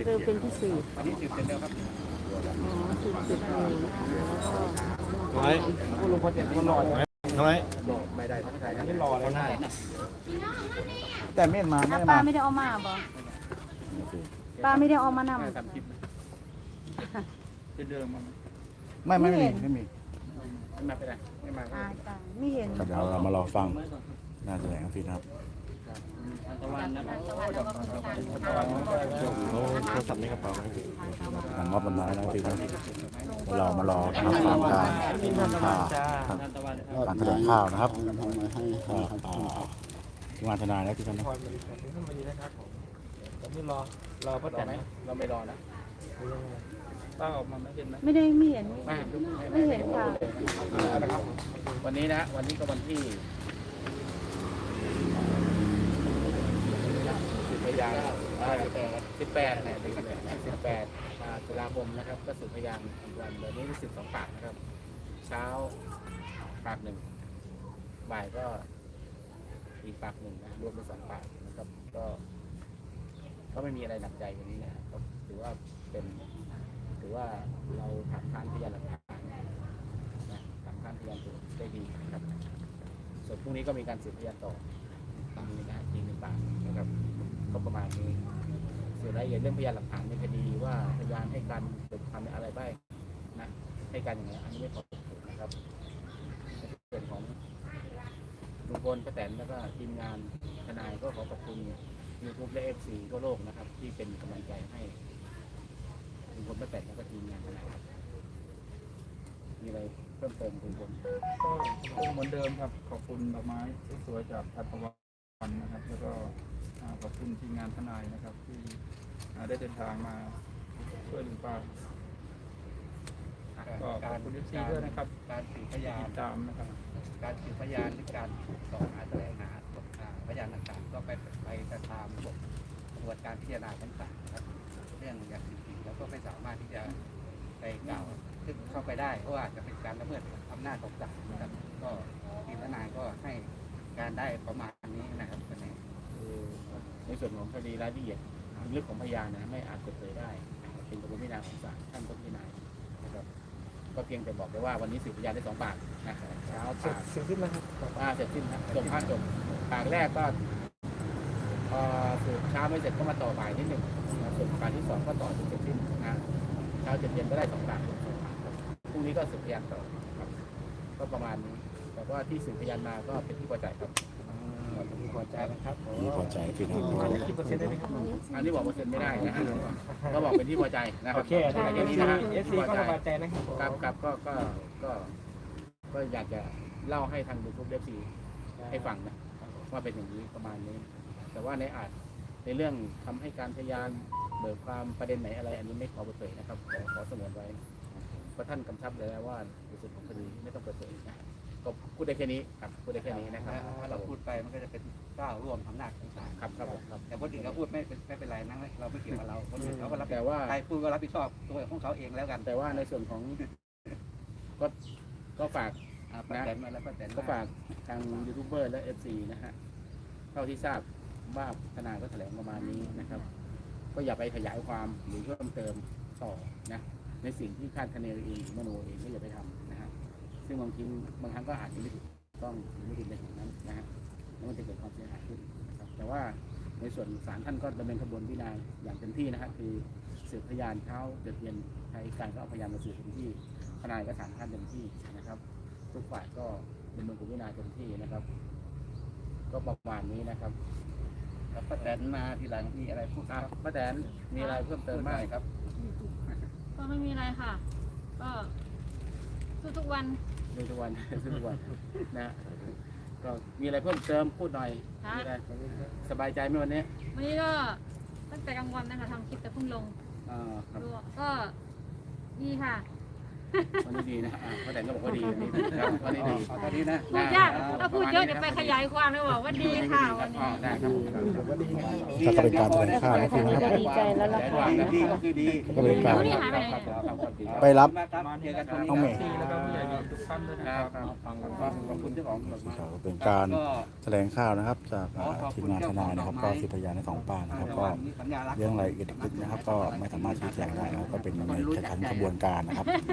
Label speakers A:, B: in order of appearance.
A: เร็วเป็นพิเศษ
B: อันนี้สืบเสร็จแล้วครับ
A: อ๋อสืบเสร็จเลยนะคะแล้วก็
C: ทำไม
B: คุณลุงพอเสร็จก็รอ
C: ทำไม
B: ไม่ได้ทั้งใจอันนี้รอแล้ว
C: ได้
B: แต่เม่นมาไม่
A: ป้า
B: มา
A: ไม่ได้เอามาบ่ป้าไม่ได้เอามานำ
B: ทำคลิปเป็นเดิมมั้ง
A: ไม่มี
B: ไม่มาไปไหนไม่มา
A: อ่าจ้ะไม่เห็น
C: ครับเดี๋ยวเรามารอฟังน่าแถลงฟินครับ
B: ตะวันนะครับ
C: เขาโทรศัพท์ในกระเป๋าทางมอบต้นไม้นะฟินครับเรามารอรับฟังการข่าวการแถลงข่าวนะครับทีมงานทนายแล้วที่ทำนะ
B: ผมไม่รอป้าแตนไหมเราไม่รอนะป้าออกมาไม่เห็นไหม
A: ไม่ได้ไม่เห็น
B: ไม่เห็น
A: ค่ะ
B: นะครับวันนี้นะวันนี้ก็วันที่10 พยาน18เนี่ย18 ตุลาคมนะครับก็สืบพยานอีกวันเดี๋ยวนี้12 ปากนะครับเช้าปากหนึ่งบ่ายก็อีกปากหนึ่งนะรวมเป็น2 ปากนะครับก็ไม่มีอะไรหนักใจวันนี้นะครับก็ถือว่าเราถามค้านพยานหลักฐานนะถามค้านพยานตัวได้ดีนะครับส่วนพรุ่งนี้ก็มีการสืบพยานต่อมีนะอีก1 ปากนะครับก็ประมาณนี้ส่วนรายละเอียดเรื่องพยานหลักฐานในคดีว่าพยานให้การเปิดความอะไรบ้างนะให้การอย่างไรอันนี้ไม่ขอเปิดเผยนะครับในส่วนของลุงพลป้าแตนแล้วก็ทีมงานทนายก็ขอขอบคุณYouTube และ FC ทั่วโลกนะครับที่เป็นกำลังใจให้ลุงพลป้าแตนแล้วก็ทีมงานทนายครับมีอะไรเพิ่มเติมลุงพล
D: ก็เหมือนเดิมครับขอบคุณดอกไม้สวยๆจากทัตวันนะครับแล้วก็ขอบคุณทีมงานทนายนะครับที่ได้เดินทางมาช่วยลุงป้าก็ขอบคุณทุกทีด้วยนะครับ
B: การสืบพยาน
D: ติดตามนะครับ
B: การสืบพยานหรือการต่อหาแสวงหาพยานต่างๆก็ไปตามกระบวนการพิจารณาต่างๆนะครับเรื่องอย่างจริงๆแล้วก็ไม่สามารถที่จะไปกล่าวขึ้นเข้าไปได้เพราะว่าจะเป็นการละเมิดอำนาจของศาลนะครับก็ทีมทนายก็ให้การได้ประมาณนี้นะครับในส่วนของคดีรายละเอียดลึกของพยานนะไม่อาจเปิดเผยได้เป็นกระบวนการพิจารณาของศาลท่านก็พิจารณานะครับก็เพียงแต่บอกไปว่าวันนี้สืบพยานได้2 ปากนะครับเช้าปาก
D: เสร็จสิ้นแล้วครับ
B: เสร็จสิ้นครับจบปากแรกก็สืบเช้าไม่เสร็จก็มาต่อบ่ายนิดหนึ่งส่วนปากที่2ก็ต่อจนเสร็จสิ้นนะเช้าเย็นก็ได้2 ปากพรุ่งนี้ก็สืบพยานต่อครับก็ประมาณนี้แต่ว่าที่สืบพยานมาก็เป็นที่พอใจครับที่พอใจนะครับ
C: นี่พอใจฟินครับ
D: กี่เปอร์เซ็นต์ได้ไหมครับ
B: อันนี้บอกเปอร์เซ็นต์ไม่ได้นะก็บอกเป็นที่พอใจนะครับ
D: โอเคอันนี้นะเอฟซีก็สบายใจนะครับ
B: ครับก็อยากจะเล่าให้ทางยูทูบเอฟซีให้ฟังนะว่าเป็นอย่างนี้ประมาณนี้ แต่ว่าในเรื่องทำให้การพยานเบิกความประเด็นไหนอะไรอันนี้ไม่ขอเปิดเผยนะครับขอสงวนไว้เพราะท่านกำชับเลยนะว่าในส่วนของคดีไม่ต้องเปิดเผยนะก็พูดได้แค่นี้ครับพูดได้แค่นี้นะครับถ้าเราพูดไปมันก็จะเป็นก้าวร่วมอำนาจของศาลครับแต่คนอื่นเขาพูดไม่เป็นไรนั่งเราไม่เกี่ยวกับเราคนอื่นเขาก็รับแต่ว่าใครพูดก็รับผิดชอบตัวของเขาเองแล้วกันแต่ว่าในส่วนของก็ฝากนะก็ฝากทางยูทูบเบอร์และFCนะฮะเท่าที่ทราบว่าทนายก็แถลงประมาณนี้นะครับก็อย่าไปขยายความหรือเพิ่มเติมต่อนะในสิ่งที่คาดคะเนเองมโนเองก็อย่าไปทำนะฮะซึ่งบางครั้งก็อาจจะไม่ถูกต้องไม่ถูกในสิ่งนั้นนะฮะแล้วมันจะเกิดความเสียหายขึ้นนะครับแต่ว่าในส่วนศาลท่านก็ดำเนินกระบวนพิจารณาอย่างเต็มที่นะฮะคือสืบพยานเช้าเย็นใช้การก็เอาพยานมาสืบเต็มที่ทนายก็ถามท่านเต็มที่นะครับทุกฝ่ายก็ดำเนินกระบวนการเต็มที่นะครับก็ประมาณนี้นะครับป้าแตนมาทีหลังมีอะไรพูดครับป้าแตนมีอะไรเพิ่มเติมบ้างครับ
E: ก็ไม่มีอะไรค่ะ ก็สู้ทุกวัน
B: ดูทุกวัน ดูทุกวันนะก็มีอะไรเพิ่มเติมพูดหน่อย
E: ค่ะ
B: มีอะไรสบายใจไหมวันนี้
E: วันนี้ก็ตั้งแต่กลางวันนะคะทำคลิปแต่เพิ่งลง
B: ครับ
E: ดูก็ดีค่ะ
B: วันนี้ดีนะป้าแตนก็บอกว่าดีวันนี้นะครับวันนี้ดีตอนนี้นะ
E: พูดยากถ้าพูดเยอะเดี๋ยวไปขยายความเลยบอกว่าดีค่ะวันนี้
B: ได้ครับ
C: ถ้าก็เป็นการแถลงข่าวนะพี่นะครับ
A: ดีใจแล้วล่ะค่ะ
B: ดีก็คือดี
C: ก็เป็นการ
E: นี่หายไปไหน
C: ไปรับ
D: มาเจอกันตรง
C: น้องเมย์
D: นี้แล้วก็ผู้ใหญ่ทุกท่านด้วยนะครับ
B: ขอบคุณเจ้าของแบบ
C: ก็เป็นการแถลงข่าวนะครับ จากทีมงานทนายนะครับ ก็สืบพยานในสองปากนะครับ ก็เรื่องรายละเอียดนะครับ ก็ไม่สามารถชี้แจงได้นะครับก็เป็นในชั้นกระบวนการนะครับ